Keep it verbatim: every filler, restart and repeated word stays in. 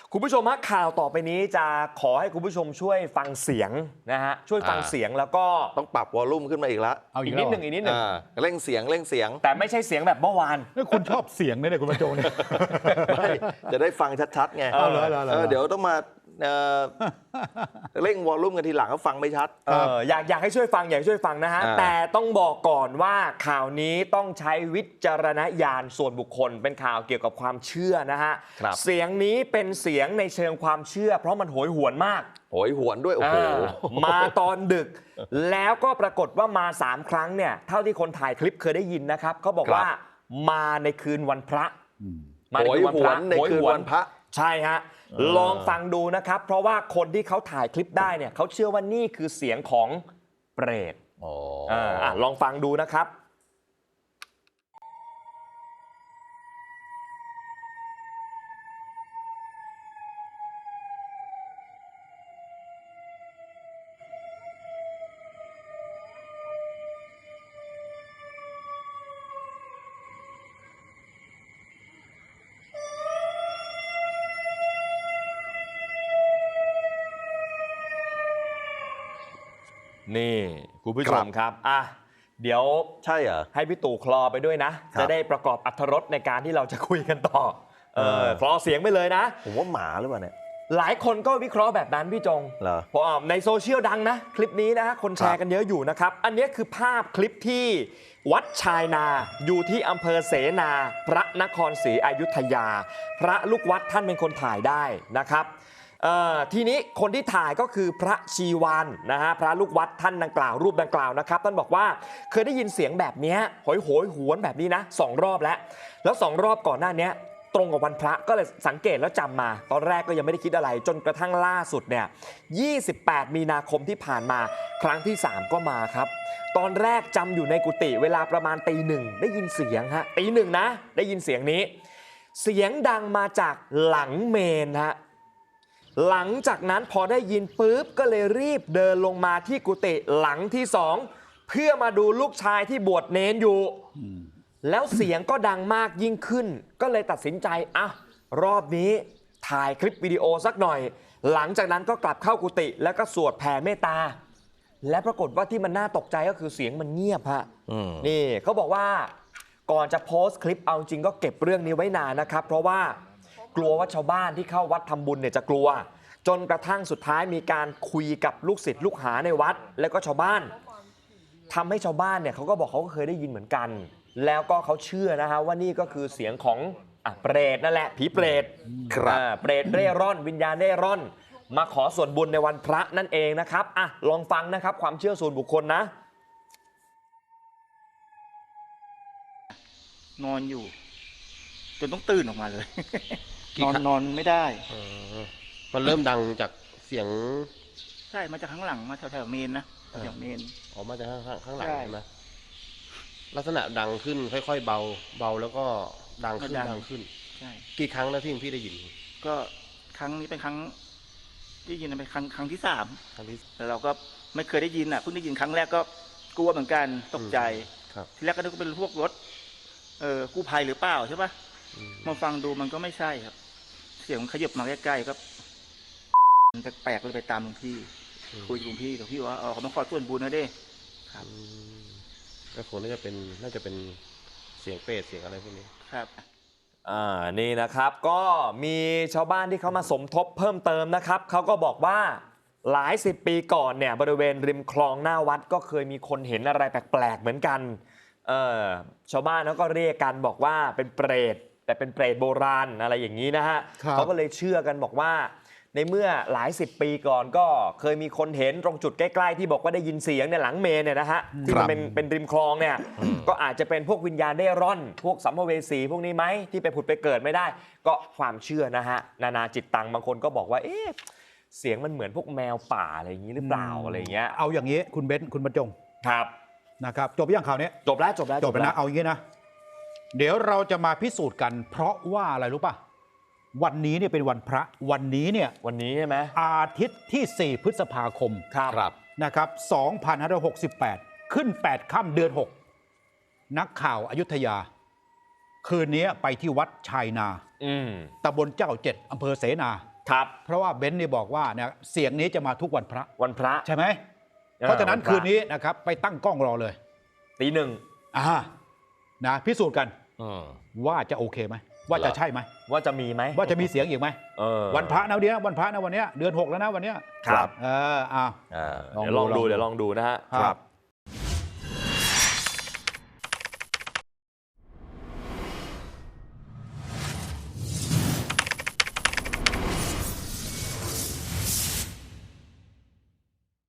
คุณผู้ชมฮะข่าวต่อไปนี้จะขอให้คุณผู้ชมช่วยฟังเสียงนะฮะช่วยฟังเสียงแล้วก็ต้องปรับวอลลุ่มขึ้นมาอีกแล้วเอาอีกนิดหนึ่งอีกนิดหนึ่งเร่งเสียงเร่งเสียงแต่ไม่ใช่เสียงแบบเมื่อวานคุณชอบเสียงเนี่ยคุณบรรจงเนี่ยไม่จะได้ฟังชัดๆไงเดี๋ยวต้องมาเร่งวอลลุ่มกันทีหลังก็ฟังไม่ชัดอยากอยากให้ช่วยฟังอยากช่วยฟังนะฮะแต่ต้องบอกก่อนว่าข่าวนี้ต้องใช้วิจารณญาณส่วนบุคคลเป็นข่าวเกี่ยวกับความเชื่อนะฮะเสียงนี้เป็นเสียงในเชิงความเชื่อเพราะมันโหยหวนมากโหยหวนด้วยโอ้โหมาตอนดึกแล้วก็ปรากฏว่ามาสามครั้งเนี่ยเท่าที่คนถ่ายคลิปเคยได้ยินนะครับเขาบอกว่ามาในคืนวันพระมาในคืนวันพระในคืนวันพระใช่ฮะลองฟังดูนะครับเพราะว่าคนที่เขาถ่ายคลิปได้เนี่ยเขาเชื่อว่านี่คือเสียงของเปรตอ๋อลองฟังดูนะครับนี่คุณผู้ชมครับอ่ะเดี๋ยวใช่เหรอให้พี่ตู่คลอไปด้วยนะจะได้ประกอบอรรถรสในการที่เราจะคุยกันต่อเออคลอเสียงไปเลยนะผมว่าหมาหรือเปล่าเนี่ยหลายคนก็วิเคราะห์แบบนั้นพี่จงเหรอเพราะในโซเชียลดังนะคลิปนี้นะคนแชร์กันเยอะอยู่นะครับอันนี้คือภาพคลิปที่วัดชายนาอยู่ที่อำเภอเสนาพระนครศรีอยุธยาพระลูกวัดท่านเป็นคนถ่ายได้นะครับทีนี้คนที่ถ่ายก็คือพระชีวานนะฮะพระลูกวัดท่านดังกล่าวรูปดังกล่าวนะครับท่านบอกว่าเคยได้ยินเสียงแบบนี้โหยโหยหวนแบบนี้นะสองรอบแล้วแล้วสองรอบก่อนหน้านี้ตรงกับวันพระก็เลยสังเกตแล้วจำมาตอนแรกก็ยังไม่ได้คิดอะไรจนกระทั่งล่าสุดเนี่ยยี่สิบแปดมีนาคมที่ผ่านมาครั้งที่สามก็มาครับตอนแรกจำอยู่ในกุฏิเวลาประมาณตีหนึ่งได้ยินเสียงฮะตีหนึ่งนะได้ยินเสียงนี้เสียงดังมาจากหลังเมนฮะหลังจากนั้นพอได้ยินปุ๊บก็เลยรีบเดินลงมาที่กุฏิหลังที่สองเพื่อมาดูลูกชายที่บวชเนนอยู่แล้วเสียงก็ดังมากยิ่งขึ้นก็เลยตัดสินใจอ่ะรอบนี้ถ่ายคลิปวิดีโอสักหน่อยหลังจากนั้นก็กลับเข้ากุฏิแล้วก็สวดแผ่เมตตาและปรากฏว่าที่มันน่าตกใจก็คือเสียงมันเงียบฮะนี่เขาบอกว่าก่อนจะโพสต์คลิปเอาจริงก็เก็บเรื่องนี้ไว้นานนะครับเพราะว่ากลัวว่าชาวบ้านที่เข้าวัดทำบุญเนี่ยจะกลัวจนกระทั่งสุดท้ายมีการคุยกับลูกศิษย์ลูกหาในวัดแล้วก็ชาวบ้านทำให้ชาวบ้านเนี่ยเขาก็บอกเขาก็เคยได้ยินเหมือนกันแล้วก็เขาเชื่อนะฮะว่านี่ก็คือเสียงของอ่ะเปรตนั่นแหละผีเปรตครับเปรตเร่ร่อนวิญญาณเร่ร่อนมาขอส่วนบุญในวันพระนั่นเองนะครับอ่ะลองฟังนะครับความเชื่อส่วนบุคคลนะนอนอยู่จนต้องตื่นออกมาเลยนอนนอนไม่ได้มันเริ่มดังจากเสียงใช่มาจากข้างหลังมาแถวๆเมนนะแถวเมนออกมาจากข้างข้างหลังใช่ไหมลักษณะดังขึ้นค่อยๆเบาเบาแล้วก็ดังขึ้นดังขึ้นใช่กี่ครั้งแล้วที่พี่ได้ยินก็ครั้งนี้เป็นครั้งที่ยินเป็นครั้งครั้งที่สามครั้งที่แต่เราก็ไม่เคยได้ยินอ่ะเพิ่งได้ยินครั้งแรกก็กลัวเหมือนกันตกใจทีแรกก็นึกว่าเป็นพวกรถเออกู้ภัยหรือเปล่าใช่ปะมาฟังดูมันก็ไม่ใช่ครับเสียงขยับมาใกล้ๆก็มันแปลกๆเลยไปตามหลวงพี่คุยกับหลวงพี่หลวงพี่ว่าเออเขามาขอส่วนบุญนะเด้ครับก็คงน่าจะเป็นน่าจะเป็นเสียงเปรตเสียงอะไรพวกนี้ครับอ่านี่นะครับก็มีชาวบ้านที่เขามาสมทบเพิ่มเติมนะครับเขาก็บอกว่าหลายสิบปีก่อนเนี่ยบริเวณริมคลองหน้าวัดก็เคยมีคนเห็นอะไรแปลกๆเหมือนกันเออชาวบ้านเขาก็เรียกกันบอกว่าเป็นเปรตแต่เป็นเปรตโบราณอะไรอย่างนี้นะฮะเขาก็เลยเชื่อกันบอกว่าในเมื่อหลายสิบปีก่อนก็เคยมีคนเห็นตรงจุดใกล้ๆที่บอกว่าได้ยินเสียงในหลังเมนเนี่ยนะฮะที่มันเป็นเป็นริมคลองเนี่ยก็อาจจะเป็นพวกวิญญาณเร่ร่อนพวกสัมภเวสีพวกนี้ไหมที่ไปผุดไปเกิดไม่ได้ก็ความเชื่อนะฮะนานาจิตตังบางคนก็บอกว่าเอ๊ะเสียงมันเหมือนพวกแมวป่าอะไรอย่างนี้หรือเปล่าอะไรเงี้ยเอาอย่างนี้คุณเบนซ์คุณบรรจงครับนะครับจบยังข่าวนี้จบแล้วจบแล้วจบแล้วนะเอาอย่างนี้นะเดี๋ยวเราจะมาพิสูจน์กันเพราะว่าอะไรรู้ป่ะวันนี้เนี่ยเป็นวันพระวันนี้เนี่ยวันนี้ใช่ไหมอาทิตย์ที่สี่พฤษภาคมครับนะครับสองพันห้าร้อยหกสิบแปดขึ้นแปดค่ำเดือนหกนักข่าวอยุธยาคืนนี้ไปที่วัดชายนาตำบลเจ้าเจ็ดอำเภอเสนาครับเพราะว่าเบนซ์นี่บอกว่าเนี่ยเสียงนี้จะมาทุกวันพระวันพระใช่ไหมเออเพราะฉะนั้นวันพระคืนนี้นะครับไปตั้งกล้องรอเลยตีหนึ่งอ่านะพิสูจน์กันอืมว่าจะโอเคไหมว่าจะใช่ไหมว่าจะมีไหมว่าจะมีเสียงอีกไหมเออวันพระนะเดียววันพระนะวันเนี้ยเดือนหกแล้วนะวันเนี้ยครับเอออ่าอ่าเดี๋ยวลองดูเดี๋ยวลองดูนะฮะครับ